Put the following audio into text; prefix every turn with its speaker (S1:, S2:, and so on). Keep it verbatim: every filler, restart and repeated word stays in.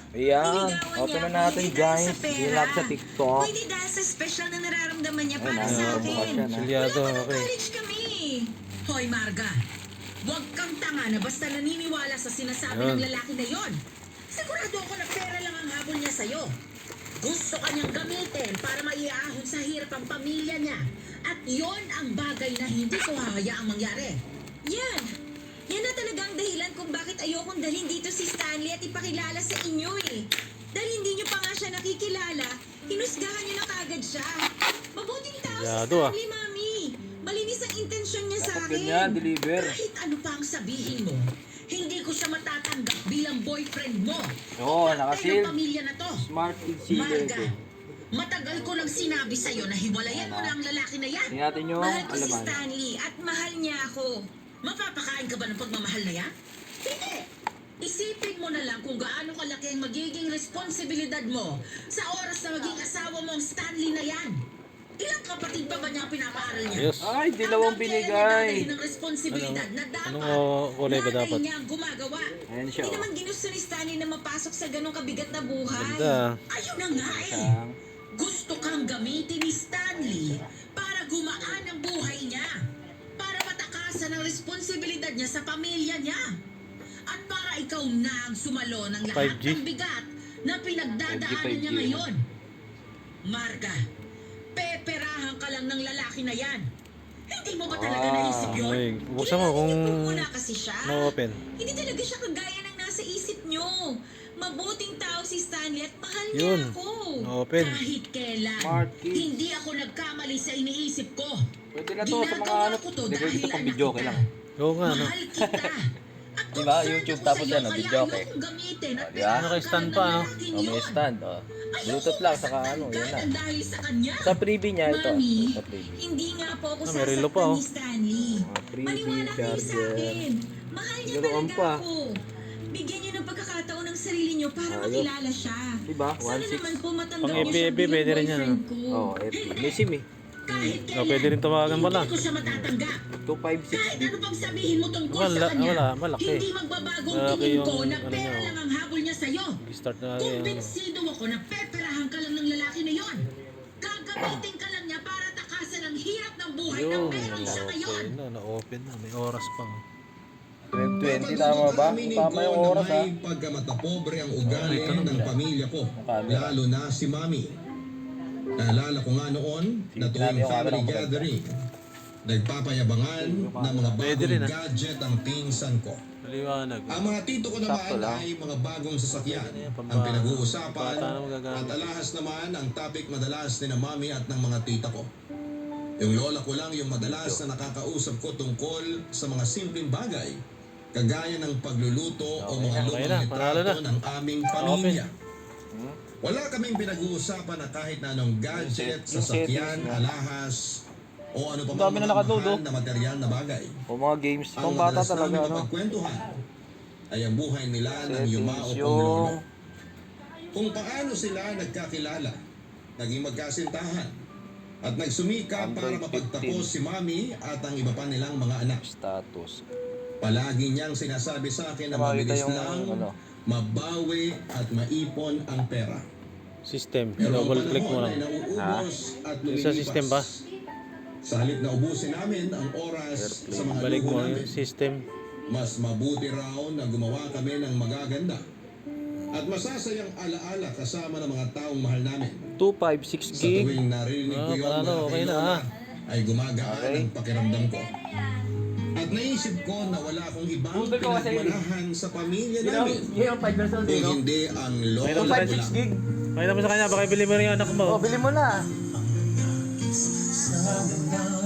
S1: Ayan, open na natin guys. Dilap sa TikTok.
S2: Pwede dahil sa special na nararamdaman niya para
S1: Ayun,
S2: sa
S1: ah,
S2: akin.
S1: bukas yan, ah.
S3: Silyado,
S2: Wala pa ng
S3: okay.
S2: college kami. Hoy Marga, huwag kang tanga na basta naniniwala sa sinasabi
S3: Ayun.
S2: ng lalaki na yon. Sigurado ako na pera lang ang habol niya sa'yo. Gusto kanyang gamitin para maiahon sa hirap ang pamilya niya. At yon ang bagay na hindi ko hahayaang mangyari. Yan. Yan na talaga ang dahilan kung bakit ayokong dalhin dito si Stanley at ipakilala sa inyo eh. Dahil hindi niyo pa nga siya nakikilala, hinusgahan niyo na kagad siya. Mabuting tao si
S3: Yado, ah.
S2: Stanley, Mami. Malinis ang intensyon niya sa
S1: Dapat
S2: akin.
S1: ganyan, deliver.
S2: Kahit ano pa ang sabihin mo, hindi ko siya matatanggap bilang boyfriend mo.
S1: Oo,
S2: O parte
S1: nakasil.
S2: ng pamilya na to.
S1: Smart kid sealer
S2: Marga,
S1: ito.
S2: matagal ko nang sinabi sa'yo na hiwalayan mo na ang lalaki na yan.
S1: Tingnan natin yung
S2: Mahal ko si
S1: alaman.
S2: Stanley at mahal niya ako. Mapapakain ka ba ng pagmamahal na yan? Hindi! Isipin mo na lang kung gaano kalaki ang magiging responsibilidad mo sa oras na maging asawa mo ang Stanley na yan. Ilang kapatid pa ba niya ang pinapaaral niya?
S3: Ayos.
S1: Ay, dalawang
S2: Hanggang kailan niya
S1: binigay.
S2: dadalhin ang responsibilidad na dapat
S3: Anong, uh, kulay ba
S2: nanay
S3: dapat?
S2: niya ang gumagawa.
S1: Ayan siya,
S2: Hindi
S1: oh.
S2: naman ginusto ni Stanley na mapasok sa ganong kabigat na buhay.
S3: Ganda.
S2: Ayun na nga eh.
S1: Isang
S2: Gusto kang gamitin ni Stanley para gumaan ang buhay niya. Para matakasan ang responsibilidad niya sa pamilya niya. At para ikaw na ang sumalo ng lahat
S3: five G?
S2: ng bigat na pinagdadaanan
S1: five G, five G.
S2: niya ngayon. Marga, peperahan ka lang ng lalaki na yan. Hindi mo ba talaga
S1: Ah,
S2: naisip yun?
S3: ay, buksan mo
S2: Kilala
S3: kung
S2: niyo po muna kasi siya.
S3: na-open.
S2: Hindi talaga siya kagaya ng nasa isip nyo. Mabuting tao si Stanley at mahal niya
S3: Yun.
S2: ako.
S3: Na-open.
S2: Kahit kailan.
S1: Smart kid.
S2: Hindi ako nagkamali sa iniisip ko.
S1: Pwede na to sa mga
S2: Ginagawa
S1: ano.
S2: ko to
S1: Hindi ko
S2: dahil
S1: ito pang
S2: anak
S1: video
S2: kita.
S1: lang.
S3: Oo nga, no?
S2: Mahal kita. At
S1: Diba?
S2: concerned
S1: YouTube
S2: ako
S1: tapos
S2: sa'yo,
S1: yan, oh,
S2: kaya
S1: video, okay.
S2: ayokong gamitin at
S1: Oh, diba?
S3: Ano kay stand pa, no?
S2: pinapakalan ng
S1: Oh, may
S2: lalaking
S1: stand, oh.
S2: yun.
S1: Bluetooth lang, saka
S2: Ayoko
S1: ano, yun na.
S2: masaktan dahil sa kanya.
S1: Sa freebie niya ito.
S2: Mami,
S1: Sa freebie.
S2: hindi nga po ako
S3: Ah, may relo pa,
S2: sasaktan
S3: oh.
S2: ni Stanley.
S1: Mga freebie,
S2: Maniwala kayo sa
S1: charger.
S2: akin. Mahal niya
S1: Laruan
S2: talaga
S1: pa.
S2: ako. Bigyan niyo ng pagkakataon ng sarili niyo para
S1: Ayos.
S2: makilala siya.
S1: Diba?
S2: Sana
S1: one six.
S2: naman po matanggap
S3: Pang
S2: ko siya
S3: F B F B,
S2: bilang
S3: pwede rin yan,
S2: boyfriend ko.
S1: Oh, F B.
S2: Hindi.
S1: May SIM eh.
S2: Kahit
S3: Oh, pwede rin tawagan pala.
S2: Hindi ko siya matatanggap.
S1: two five six
S2: Kahit
S1: gig.
S2: ano pang sabihin mo tungkol
S3: Wala,
S2: sa kanya,
S3: wala, malaki.
S2: hindi magbabagong
S3: Malaki
S2: tingin
S3: yung
S2: ko na
S3: ano
S2: pera
S3: niya,
S2: lang ang habol niya sa'yo.
S3: Start na yan.
S2: Kumbinsido ako na peperahan ka lang ng lalaki na yon. Gagamitin ka lang niya para takasan ang hirap ng buhay na
S3: Yun,
S2: meron siya ngayon.
S3: na-open na, na-open na. May oras pa. oh.
S1: twelve twenty tama ba? Tama yung oras ha.
S4: May pagkamatapobre ang ugali
S3: Oh, ito na
S4: ng
S1: siya.
S4: pamilya ko,
S1: camera.
S4: lalo na si Mami. Naalala ko nga noon na
S1: Sige,
S4: tuwing
S1: yung camera
S4: family
S1: ko maganda.
S4: gathering, nagpapayabangan ng mga
S3: Pwede
S4: bagong
S3: rin, ah.
S4: gadget ang pinsan ko.
S3: Maliwanag.
S4: Ang mga tito ko
S1: Sakto
S4: naman
S1: lang.
S4: ay mga bagong sasakyan
S3: Pwede yan, pamba-
S4: ang pinag-uusapan
S3: bata na magagamit.
S4: at alahas naman ang topic madalas ni na Mami at ng mga tita ko. Yung lola ko lang yung madalas na nakakausap ko tungkol sa mga simpleng bagay kagaya ng pagluluto o mga
S3: Okay
S4: lumang
S3: na, panalo
S4: litrato
S3: na.
S4: ng aming pamilya.
S1: Hmm?
S4: Wala kaming pinag-uusapan na kahit na anong gadget,
S1: Yung set- yung
S4: sasakyan,
S1: settings na.
S4: alahas, o ano pa
S1: Ang
S4: mga
S1: dami na nakadodo.
S4: mahal na material na bagay.
S1: O mga games.
S4: Ang
S1: Pang bata
S4: madalas
S1: talaga
S4: namin
S1: ano.
S4: mapagkwentuhan ay ang buhay nila ng yumao
S1: Settings
S4: kong lolo.
S1: yung...
S4: Kung paano sila nagkakilala, naging magkasintahan, at nagsumika para
S1: Android
S4: mapagtapos
S1: fifteen.
S4: si Mami at ang iba pa nilang mga anak.
S1: Status.
S4: Palagi niyang sinasabi sa akin na
S1: Makita
S4: mabilis
S1: yung
S4: lang
S1: ano.
S4: mabawi at maipon ang pera.
S3: System.
S4: Pero ang
S3: Double click mo
S4: panahon
S3: lang.
S4: ay nauubos at lumilipas.
S3: Sa system ba?
S4: Sa halip na ubusin namin ang oras sa mga
S3: Balik
S4: luho
S3: mo
S4: namin,
S3: yung system.
S4: mas mabuti raw na gumawa kami ng magaganda at masasayang alaala kasama ng mga taong mahal namin.
S1: two five six
S4: Sa
S1: gig.
S4: tuwing narinig ko
S3: Ah,
S4: yun
S3: panalo,
S4: mula
S3: okay
S4: kay
S3: na,
S4: Lola,
S3: ah.
S4: ay gumagaan
S1: Okay.
S4: ang pakiramdam ko. At naisip ko na wala akong ibang pinagmanahan sa pamilya namin
S1: yung five versus
S4: kung hindi ang lolo
S3: Mayroon
S4: ko
S3: ba
S1: five six
S4: lang.
S1: gig.
S3: Pakita mo sa kanya, baka ibili mo rin yung anak mo.
S1: Oh, bili mo na.
S4: Sana